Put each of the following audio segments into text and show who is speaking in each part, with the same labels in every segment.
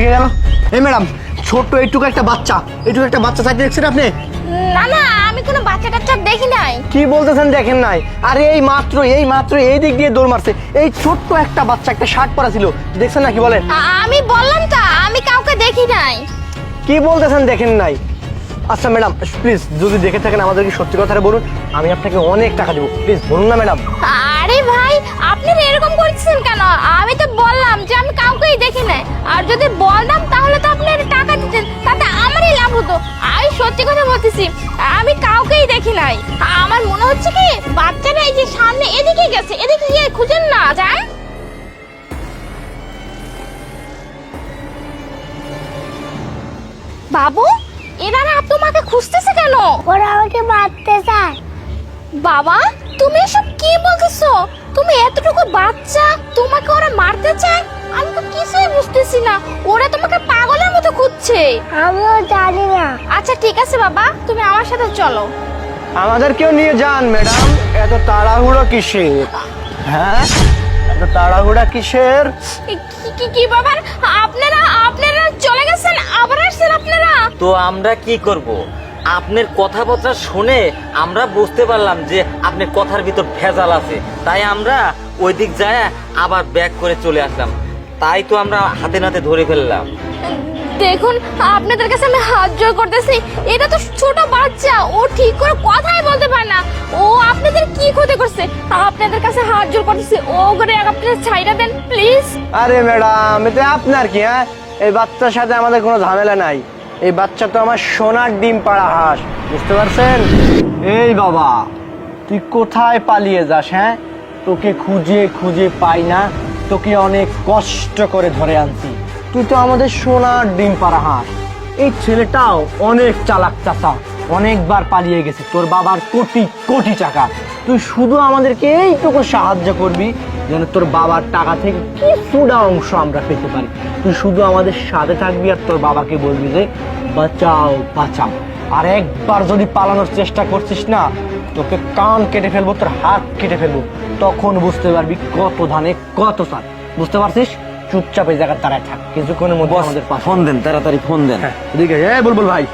Speaker 1: থেকে গেল। এই ম্যাডাম, ছোট্ট এইটুকু একটা বাচ্চা চাইতে দেখছেন আপনি?
Speaker 2: না না, আমি কোনো বাচ্চা টাচ্চা দেখি নাই।
Speaker 1: কি বলতেছেন দেখেন নাই? আরে এই মাত্র এই দিক দিয়ে দৌড় মারছে। এই ছোট্ট একটা বাচ্চা একটা শার্ট পরা ছিল, দেখছেন না? কি বলেন?
Speaker 2: আমি বললাম তো আমি কাউকে দেখি নাই।
Speaker 1: কি বলতেছেন দেখেন নাই? আচ্ছা ম্যাডাম, প্লিজ যদি দেখে থাকেন আমাদেরকে সত্যি কথাটা বলুন, আমি আপনাকে অনেক টাকা দেবো। প্লিজ বলুন না ম্যাডাম।
Speaker 2: আরে ভাই, আপনি এরকম করছেন কেন? আমি তো বললাম যে আমি কাউকেই দেখি নাই। আর যদি বলতাম তাহলে তো আপনি টাকা দিতেন, তাতে আমারই লাভ হতো। আমি সত্যি কথা বলতেছি, আমি কাউকেই দেখি নাই। আমার মনে হচ্ছে কি বাচ্চারা এই যে সামনে এদিকে গেছে, এদিকে গিয়ে খুঁজেন না যান। বাবু, এনারা তোমাকে খুঁজতেছে কেন?
Speaker 3: ওরা আমাকে মারতে চায়।
Speaker 2: বাবা, তুমি এসব কি বলতেছো? তুমি এতটুকু বাচ্চা, তোমাকে ওরা মারতে চায়? আমি তো কিছুই বুঝতেছি না। ওরা তোমাকে পাগলের মতো খুঁজছে।
Speaker 3: আমিও জানি না।
Speaker 2: আচ্ছা ঠিক আছে বাবা, তুমি আমার সাথে চলো।
Speaker 1: আমাদেরকেও নিয়ে যান ম্যাডাম। এত তাড়াহুড়ো কিসের? হ্যাঁ, এত তাড়াহুড়া কিসের?
Speaker 2: কি বাবা, আপনারা আপনারা চলে গেছেন, আবার আসছেন আপনারা?
Speaker 4: তো আমরা কি করব? আপনার কথাবার্তা শুনে আমরা বুঝতে পারলাম যে আপনার কথার ভিতর ভেজাল আছে, তাই আমরা ওই দিক যায় আবার ব্যাক করে চলে আসলাম। তাই তো আমরা হাতে নাতে ধরে ফেললাম।
Speaker 2: দেখুন, আপনাদের কাছে আমি হাত জোর করতেছি, এটা তো ছোট বাচ্চা, ও ঠিক করে কথাই বলতে পারে না। ও আপনাদের কি ক্ষতি করছে? আপনাদের কাছে হাত জোর করতেছি, ও করে আপনারা ছাইড়া দেন প্লিজ।
Speaker 1: আরে ম্যাডাম, এতে আপনার কি? হ্যাঁ, এই বাচ্চার সাথে আমাদের কোনো ঝামেলা নাই। এই বাচ্চা তো আমার সোনার ডিম পাড়া হাঁস, বুঝতে পারছেন? এই বাবা, তুই কোথায় পালিয়ে যাস? হ্যাঁ, তোকে খুঁজে খুঁজে পাই না, তোকে অনেক কষ্ট করে ধরে আনছি। তুই তো আমাদের সোনার ডিম পাড়া হাঁস। এই ছেলেটাও অনেক চালাক চাচা, অনেকবার পালিয়ে গেছে তোর বাবার কোটি কোটি টাকা। তুই শুধু আমাদেরকে এইটুকু সাহায্য করবি যেন তোর বাবার টাকা থেকে কিছুটা অংশ আমরা পেতে পারি। তুই শুধু আমাদের সাথে থাকবি আর তোর বাবাকে বলবি যে বাঁচাও বাঁচাও। আর একবার যদি পালানোর চেষ্টা করছিস না, তোকে কান কেটে ফেলবো, তোর হাত কেটে ফেলবো। তখন বুঝতে পারবি কত ধানে কত চাল। বুঝতে পারছিস? চুপচাপ এই জায়গায় দাঁড়ায় থাক, কিছুক্ষণের মধ্যে আমাদের পাশে।
Speaker 4: ফোন দেন, তাড়াতাড়ি ফোন দেন।
Speaker 1: হ্যাঁ, এদিকে বুলবুল ভাই।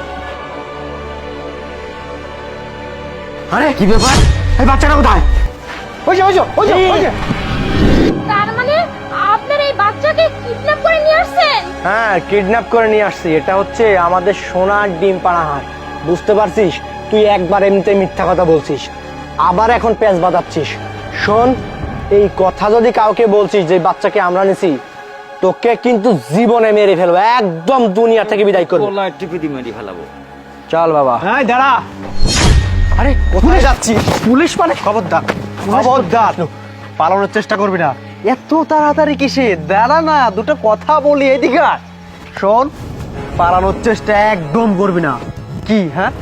Speaker 1: আরে
Speaker 4: কি ব্যাপার?
Speaker 1: এই বাচ্চাটা কোথায়? ওই যে।
Speaker 2: তার মানে আপনারা এই বাচ্চাকে কিডন্যাপ করে নিয়ে আসছেন?
Speaker 1: হ্যাঁ, কিডন্যাপ করে নিয়ে আসছি। এটা হচ্ছে আমাদের সোনার ডিম পাড়া হাঁস, বুঝতে পারছিস? তুই একবার এমনিতে মিথ্যা কথা বলছিস, আবার এখন পেঁচ বাঁধাচ্ছিস। শোন, এই কথা যদি কাউকে বলছিস যে বাচ্চাকে আমরা নিছি, তোকে কিন্তু জীবনে মেরে ফেলবো, একদম দুনিয়া থেকে বিদায় করবো।
Speaker 4: গলায় টিপি দিয়ে মেরে ফেলাবো।
Speaker 1: চল বাবা।
Speaker 5: এই দাঁড়া।
Speaker 1: আরে কোথায় যাচ্ছি?
Speaker 5: পুলিশ মানে? খবরদার, খবরদার, পালানোর চেষ্টা করবি না।
Speaker 1: এত তাড়াতাড়ি কিসে? দাঁড়া না, দুটো কথা বলি, এদিকে আয়।
Speaker 5: শোন, পালানোর চেষ্টা একদম করবি না।
Speaker 1: কি? হ্যাঁ,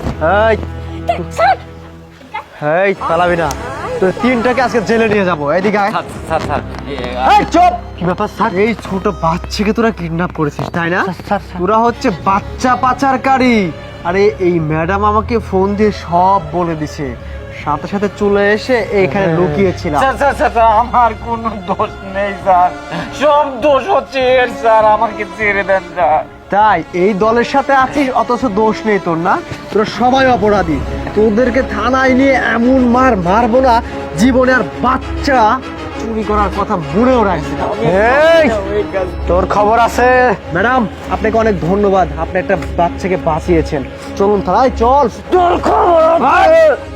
Speaker 5: এই পালাবি না, তোর তিনটাকে আজকে জেলে নিয়ে যাবো। এদিকে আয়।
Speaker 4: স্যার স্যার,
Speaker 5: এই চুপ! কি ব্যাপার স্যার? এই ছোট বাচ্চাকে তোরা কিডন্যাপ করেছিস তাই না? তোরা হচ্ছে বাচ্চা পাচারকারী। আরে এই ম্যাডাম আমাকে ফোন দিয়ে সব বলে দিছে, সাথে সাথে চলে এসে এখানে লুকিয়েছিলাম।
Speaker 4: স্যার আমার কোনো দোষ নেই স্যার, সব দোষ হচ্ছে এর স্যার, আমাকে ছেড়ে দেন স্যার।
Speaker 5: তাই এই দলের সাথে আছিস অথচ দোষ নেই তোর, না? তোরা সবাই অপরাধী। তোদেরকে থানায় নিয়ে এমন মারবো না, জীবনে আর বাচ্চা চুরি করার কথা মনেও রাখবি না।
Speaker 1: এই, তোর খবর আছে?
Speaker 5: ম্যাডাম, আপনাকে অনেক ধন্যবাদ, আপনি একটা বাচ্চাকে বাঁচিয়েছেন। চলুন থানায়, চল।
Speaker 1: তোর খবর আছে?